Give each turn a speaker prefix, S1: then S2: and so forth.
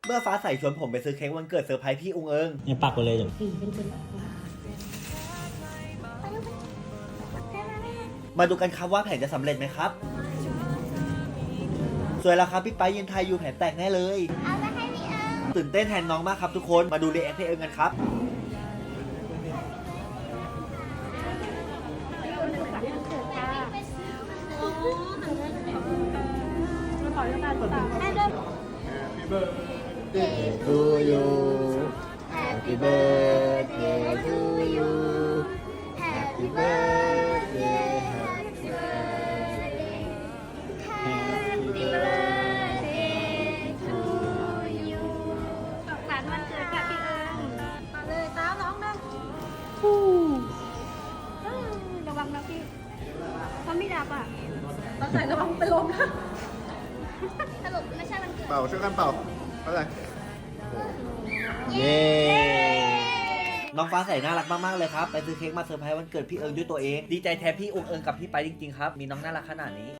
S1: เมื่อฟ้าใสชวนผมไปซื้อเค้กวันเกิดเซอร์ไพรส์พี่อุงเอิง
S2: เนี่ยปักไปเลยเดี๋ยว
S1: มาดูกันครับว่าแผนจะสำเร็จไหมครับสวยแล้วครับพี่ไปยืนไทยอยู่แผนแตกแน่เลย
S3: เอาไปให้พี่เอิง
S1: ตื่นเต้นแทนน้องมากครับทุกคนมาดูรีแอคพี่เอิงกันครับ
S3: to you Happy birthday to you Happy birthday Happy birthday Happy birthday to you สุขสันต์วันเกิดค่ะพี่เอิงมาเลยตามน้องนะระวังนะพี่เขาไม่ดับอ่ะเราใส่ระวังไปลมนะสรุปไม่ใช่วันเกิด
S4: เป่าช่วยกันเป่าเข้าใจ
S1: เย้ น้องฟ้าใสน่ารักมากๆเลยครับไปซื้อเค้กมาเซอร์ไพรส์วันเกิดพี่เอิงด้วยตัวเองดีใจแทนพี่อุงเอิงกับพี่ไปจริงๆครับมีน้องน่ารักขนาดนี้